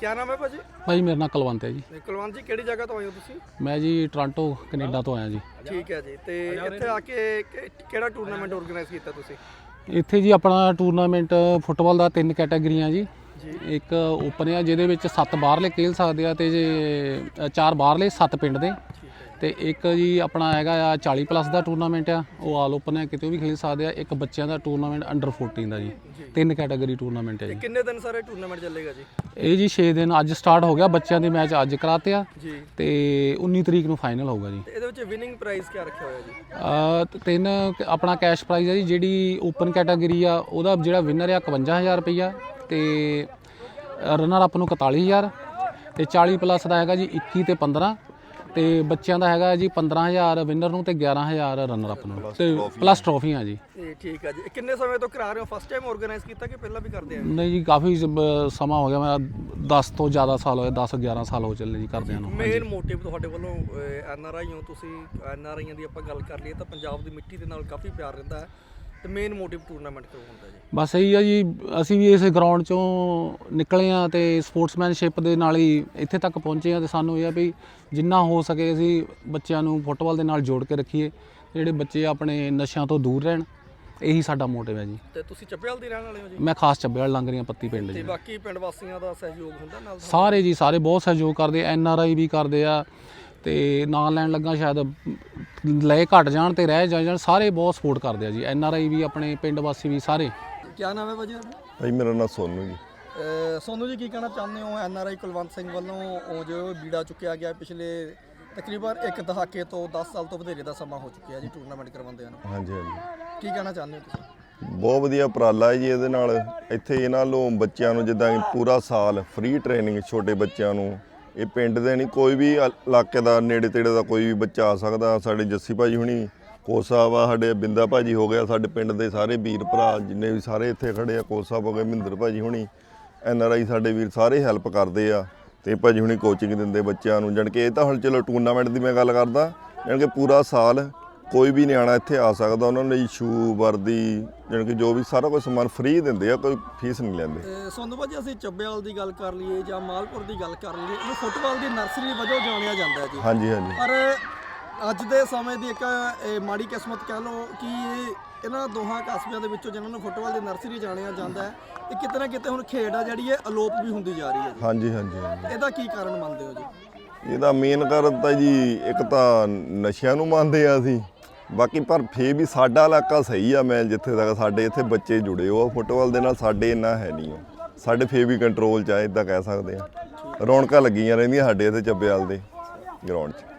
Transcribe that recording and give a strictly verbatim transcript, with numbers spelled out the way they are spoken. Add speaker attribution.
Speaker 1: क्या नाम है भाजी?
Speaker 2: भाई मेरा नाम कुलवंत है जी।
Speaker 1: कुलवंत जी ਕਿਹੜੀ ਜਗ੍ਹਾ ਤੋਂ ਆਏ ਹੋ ਤੁਸੀਂ?
Speaker 2: मैं जी टोरंटो कनेडा तो आया जी।
Speaker 1: ਠੀਕ ਹੈ ਜੀ। ਤੇ ਇੱਥੇ ਆ ਕੇ ਕਿ- ਕਿਹੜਾ ਟੂਰਨਾਮੈਂਟ ਆਰਗੇਨਾਈਜ਼ ਕੀਤਾ ਤੁਸੀਂ?
Speaker 2: ਇੱਥੇ ਜੀ ਆਪਣਾ ਟੂਰਨਾਮੈਂਟ ਫੁੱਟਬਾਲ ਦਾ ਤਿੰਨ ਕੈਟਾਗਰੀਆਂ ਜੀ।
Speaker 1: ਜੀ
Speaker 2: ਇੱਕ ਓਪਨ ਆ ਜਿਹਦੇ ਵਿੱਚ ਸੱਤ ਬਾਹਰਲੇ ਖੇਲ ਸਕਦੇ ਆ ਤੇ ਜੇ ਅ, ਚਾਰ ਬਾਹਰਲੇ ਸੱਤ ਪਿੰਡ ਦੇ। ਤੇ ਇੱਕ ਜੀ ਆਪਣਾ ਹੈਗਾ ਆ ਚਾਲੀ ਪਲੱਸ ਦਾ ਟੂਰਨਾਮੈਂਟ ਆ, ਉਹ ਆਲ ਓਪਨ ਹੈ, ਕਿਤੇ ਵੀ ਖੇਲ ਸਕਦੇ ਆ। ਇੱਕ ਬੱਚਿਆਂ ਦਾ ਟੂਰਨਾਮੈਂਟ ਅੰਡਰ ਚੌਦਾਂ ਦਾ ਜੀ। ਤਿੰਨ ਕੈਟਾਗਰੀ ਟੂਰਨਾਮੈਂਟ ਹੈ
Speaker 1: ਤੇ
Speaker 2: ਜੀ।
Speaker 1: ਕਿੰਨੇ ਦਿਨ ਸਾਰੇ ਟੂਰਨਾਮੈਂਟ ਚੱਲੇਗਾ ਜੀ?
Speaker 2: ਇਹ ਜੀ ਛੇ ਦਿਨ ਅੱਜ ਸਟਾਰਟ ਹੋ ਗਿਆ, ਬੱਚਿਆਂ ਦੇ ਮੈਚ ਅੱਜ ਕਰਾਤੇ ਆ
Speaker 1: ਜੀ।
Speaker 2: ਤੇ ਉੱਨੀ ਤਰੀਕ ਨੂੰ ਫਾਈਨਲ ਹੋਊਗਾ ਜੀ।
Speaker 1: ਤੇ ਇਹਦੇ ਵਿੱਚ ਵਿਨਿੰਗ ਪ੍ਰਾਈਜ਼ ਕੀ ਰੱਖਿਆ ਹੋਇਆ ਜੀ?
Speaker 2: ਅ, ਤੇ ਤਿੰਨ ਕ- ਆਪਣਾ ਕੈਸ਼ ਪ੍ਰਾਈਜ਼ ਹੈ ਜੀ। ਜਿਹੜੀ ਓਪਨ ਕੈਟਾਗਰੀ ਆ ਉਹਦਾ ਜਿਹੜਾ ਵਿਨਰ ਆ ਇਕਵੰਜਾ ਹਜ਼ਾਰ ਰੁਪਈਆ ਤੇ ਰਨਰ ਅਪ ਨੂੰ ਇਕਤਾਲੀ ਹਜ਼ਾਰ ਤੇ ਚਾਲੀ ਪਲੱਸ ਦਾ ਹੈਗਾ ਜੀ ਇੱਕੀ ਤੇ ਪੰਦਰਾਂ ਤੇ ਬੱਚਿਆਂ ਦਾ ਹੈਗਾ ਜੀ ਪੰਦਰਾਂ ਹਜ਼ਾਰ ਵਿਨਰ ਨੂੰ ਤੇ ਗਿਆਰਾਂ ਹਜ਼ਾਰ ਰਨਰ ਅਪ ਨੂੰ ਤੇ ਪਲੱਸ ਟਰੋਫੀਆਂ ਜੀ।
Speaker 1: ਤੇ ਠੀਕ ਹੈ ਜੀ। ਇਹ ਕਿੰਨੇ ਸਮੇਂ ਤੋਂ ਕਰਾ ਰਹੇ ਹੋ? ਫਸਟ ਟਾਈਮ ਆਰਗੇਨਾਈਜ਼ ਕੀਤਾ ਕਿ ਪਹਿਲਾਂ ਵੀ ਕਰਦੇ ਆ?
Speaker 2: ਨਹੀਂ ਜੀ ਕਾਫੀ ਸ- ਸਮਾਂ ਹੋ ਗਿਆ, ਮੇਰਾ ਦਸ ਤੋਂ ਜ਼ਿਆਦਾ ਸਾਲ ਹੋਏ, ਦਸ ਗਿਆਰਾਂ ਸਾਲ ਹੋ ਚੱਲੇ ਜੀ ਕਰਦਿਆਂ ਨੂੰ।
Speaker 1: ਮੇਨ ਮੋਟਿਵ ਤੁਹਾਡੇ ਵੱਲੋਂ ਐਨ ਆਰ ਆਈ ਹੋ ਤੁਸੀਂ, ਐਨ ਆਰ ਆਈਆਂ ਦੀ ਆਪਾਂ ਗੱਲ ਕਰ ਲਈਏ ਤਾਂ ਪੰਜਾਬ ਦੀ ਮਿੱਟੀ ਦੇ ਨਾਲ ਕਾਫੀ ਪਿਆਰ ਰਹਿੰਦਾ ਹੈ ਤੇ ਮੇਨ ਮੋਟਿਵ ਟੂਰਨਾਮੈਂਟ ਕਿਉਂ ਹੁੰਦਾ ਜੀ?
Speaker 2: ਬਸ ਇਹੀ ਆ ਜੀ, ਅਸੀਂ ਵੀ ਇਸ ਗਰਾਊਂਡ ਚੋਂ ਨਿਕਲੇ ਆ ਤੇ ਸਪੋਰਟਸਮੈਨਸ਼ਿਪ ਦੇ ਨਾਲ ਹੀ ਇੱਥੇ ਤੱਕ ਪਹੁੰਚੇ ਆ ਤੇ ਸਾਨੂੰ ਇਹ ਆ ਵੀ ਜਿੰਨਾ ਹੋ ਸਕੇ ਅਸੀਂ ਬੱਚਿਆਂ ਨੂੰ ਫੁੱਟਬਾਲ ਦੇ ਨਾਲ ਜੋੜ ਕੇ ਰੱਖੀਏ, ਜਿਹੜੇ ਬੱਚੇ ਆਪਣੇ ਨਸ਼ਿਆਂ ਤੋਂ ਦੂਰ ਰਹਿਣ, ਇਹੀ ਸਾਡਾ ਮੋਟਿਵ ਹੈ ਜੀ।
Speaker 1: ਤੇ ਤੁਸੀਂ ਚੱਬੇਵਾਲ ਦੇ ਰਹਿਣ ਵਾਲੇ ਹੋ ਜੀ?
Speaker 2: ਮੈਂ ਖਾਸ ਚੱਬੇਵਾਲ ਲੰਗਰੀਆਂ ਪੱਤੀ ਪਿੰਡ
Speaker 1: ਤੇ
Speaker 2: ਜੀ।
Speaker 1: ਬਾਕੀ ਪਿੰਡ ਵਾਸੀਆਂ ਦਾ ਸਹਿਯੋਗ ਹੁੰਦਾ ਨਾਲ?
Speaker 2: ਸਾਰੇ ਜੀ ਸਾਰੇ ਬਹੁਤ ਸਹਿਯੋਗ ਕਰਦੇ, ਐਨ ਆਰ ਆਈ ਵੀ ਕਰਦੇ ਆ ਤੇ ਨਾਂ ਲੈਣ ਲੱਗਾ ਸ਼ਾਇਦ ਲਏ ਘਟ ਜਾਣ ਤੇ ਰਹਿ ਜਾਣ, ਸਾਰੇ ਬਹੁਤ ਸਪੋਰਟ ਕਰਦੇ ਆ ਜੀ। ਐਨ ਆਰ ਆਈ ਵੀ ਆਪਣੇ ਪਿੰਡ ਵਾਸੀ ਵੀ ਸਾਰੇ।
Speaker 1: ਕੀ ਨਾਮ ਹੈ ਭਾਜੀ?
Speaker 3: ਭਾਈ ਮੇਰਾ ਨਾਮ ਸੋਨੂ ਜੀ।
Speaker 1: ਸੋਨੂ ਜੀ ਕੀ ਕਹਿਣਾ ਚਾਹੁੰਦੇ ਹੋ? N R I Kulwant Singh ਵੱਲੋਂ ਉਹ ਜੋ ਬੀੜਾ ਚੁੱਕਿਆ ਗਿਆ ਪਿਛਲੇ ਤਕਰੀਬਨ ਇੱਕ ਦਹਾਕੇ ਤੋਂ ਦਸ ਸਾਲ ਤੋਂ ਵਧੇਰੇ ਦਾ ਸਮਾਂ ਹੋ ਚੁੱਕਿਆ ਜੀ ਟੂਰਨਾਮੈਂਟ ਕਰਵਾਉਂਦਿਆਂ ਨੂੰ।
Speaker 3: ਹਾਂਜੀ ਹਾਂਜੀ
Speaker 1: ਕੀ ਕਹਿਣਾ ਚਾਹੁੰਦੇ ਹੋ ਤੁਸੀਂ?
Speaker 3: ਬਹੁਤ ਵਧੀਆ ਉਪਰਾਲਾ ਹੈ ਜੀ। ਇਹਦੇ ਨਾਲ ਇੱਥੇ ਇਹਨਾਂ ਨੂੰ ਬੱਚਿਆਂ ਨੂੰ ਜਿੱਦਾਂ ਕਿ ਪੂਰਾ ਸਾਲ ਫ੍ਰੀ ਟ੍ਰੇਨਿੰਗ ਛੋਟੇ ਬੱਚਿਆਂ ਨੂੰ, ਇਹ ਪਿੰਡ ਦੇ ਨਹੀਂ ਕੋਈ ਵੀ ਇਲਾਕੇ ਦਾ ਨੇੜੇ ਤੇੜੇ ਦਾ ਕੋਈ ਵੀ ਬੱਚਾ ਆ ਸਕਦਾ। ਸਾਡੇ ਜੱਸੀ ਭਾਜੀ ਹੁਣੀ ਕੋਚ ਸਾਹਿਬ ਆ, ਸਾਡੇ ਬਿੰਦਾ ਭਾਜੀ ਹੋ ਗਿਆ, ਸਾਡੇ ਪਿੰਡ ਦੇ ਸਾਰੇ ਵੀਰ ਭਰਾ ਜਿੰਨੇ ਵੀ ਸਾਰੇ ਇੱਥੇ ਖੜੇ ਆ, ਕੋਚ ਸਾਹਿਬ ਹੋ ਗਏ, ਮਹਿੰਦਰ ਭਾਜੀ ਹੁਣੀ, ਐਨ ਆਰ ਆਈ ਸਾਡੇ ਵੀਰ ਸਾਰੇ ਹੈਲਪ ਕਰਦੇ ਆ ਤੇ ਭਾਜੀ ਹੁਣੀ ਕੋਚਿੰਗ ਦਿੰਦੇ ਬੱਚਿਆਂ ਨੂੰ। ਜਾਣੀ ਕਿ ਇਹ ਤਾਂ ਹੁਣ ਚਲੋ ਟੂਰਨਾਮੈਂਟ ਦੀ ਮੈਂ ਗੱਲ ਕਰਦਾ, ਜਾਣੀ ਕਿ ਪੂਰਾ ਸਾਲ ਕੋਈ ਵੀ ਨਿਆਣਾ ਇੱਥੇ ਆ ਸਕਦਾ। ਉਹਨਾਂ ਲਈ ਸ਼ੂ ਵਰਦੀ ਜਾਣੀ ਕਿ ਜੋ ਵੀ ਸਾਰਾ ਕੁਝ ਸਮਾਨ ਫ੍ਰੀ ਦਿੰਦੇ ਆ, ਕੋਈ ਫੀਸ ਨਹੀਂ ਲੈਂਦੇ।
Speaker 1: ਤੇ ਸੋਨੂ ਭਾਜੀ ਅਸੀਂ ਚੱਬੇਵਾਲ ਦੀ ਗੱਲ ਕਰ ਲਈਏ ਜਾਂ ਮਾਲਪੁਰ ਦੀ ਗੱਲ ਕਰ ਲਈਏ, ਇਹਨੂੰ ਫੁੱਟਬਾਲ ਦੀ ਨਰਸਰੀ ਵਜੋਂ ਜਾਣਿਆ ਜਾਂਦਾ ਹੈ ਜੀ।
Speaker 3: ਹਾਂਜੀ ਹਾਂਜੀ
Speaker 1: ਪਰ ਅੱਜ ਦੇ ਸਮੇਂ ਦੀ ਇੱਕ ਇਹ ਮਾੜੀ ਕਿਸਮਤ ਕਹਿ ਲਓ ਕਿ ਇਹ ਇਹਨਾਂ ਦੋਹਾਂ ਕਸਬਿਆਂ ਦੇ ਵਿੱਚੋਂ ਜਿਨ੍ਹਾਂ ਨੂੰ ਫੁੱਟਬਾਲ ਦੀ ਨਰਸਰੀ ਜਾਣਿਆ ਜਾਂਦਾ ਹੈ, ਇਹ ਕਿਤੇ ਨਾ ਕਿਤੇ ਹੁਣ ਖੇਡ ਆ ਜਿਹੜੀ ਇਹ ਅਲੋਪ ਵੀ ਹੁੰਦੀ ਜਾ ਰਹੀ ਹੈ ਜੀ।
Speaker 3: ਹਾਂਜੀ ਹਾਂਜੀ ਹਾਂਜੀ
Speaker 1: ਇਹਦਾ ਕੀ ਕਾਰਨ ਮੰਨਦੇ ਹੋ ਜੀ?
Speaker 3: ਇਹਦਾ ਮੇਨ ਕਾਰਨ ਤਾਂ ਜੀ ਇੱਕ ਤਾਂ ਨਸ਼ਿਆਂ ਨੂੰ ਮੰਨਦੇ ਆ ਅਸੀਂ, ਬਾਕੀ ਪਰ ਫੇਰ ਵੀ ਸਾਡਾ ਇਲਾਕਾ ਸਹੀ ਆ। ਮੈਂ ਜਿੱਥੇ ਤੱਕ ਸਾਡੇ ਇੱਥੇ ਬੱਚੇ ਜੁੜੇ ਹੋ ਫੁੱਟਬਾਲ ਦੇ ਨਾਲ, ਸਾਡੇ ਇੰਨਾ ਹੈ ਨਹੀਂ ਆ, ਸਾਡੇ ਫੇਰ ਵੀ ਕੰਟਰੋਲ 'ਚ ਆ, ਇੱਦਾਂ ਕਹਿ ਸਕਦੇ ਆ। ਰੌਣਕਾਂ ਲੱਗੀਆਂ ਰਹਿੰਦੀਆਂ ਸਾਡੇ ਇੱਥੇ ਚੱਬੇਵਾਲ ਦੇ ਗਰਾਊਂਡ 'ਚ।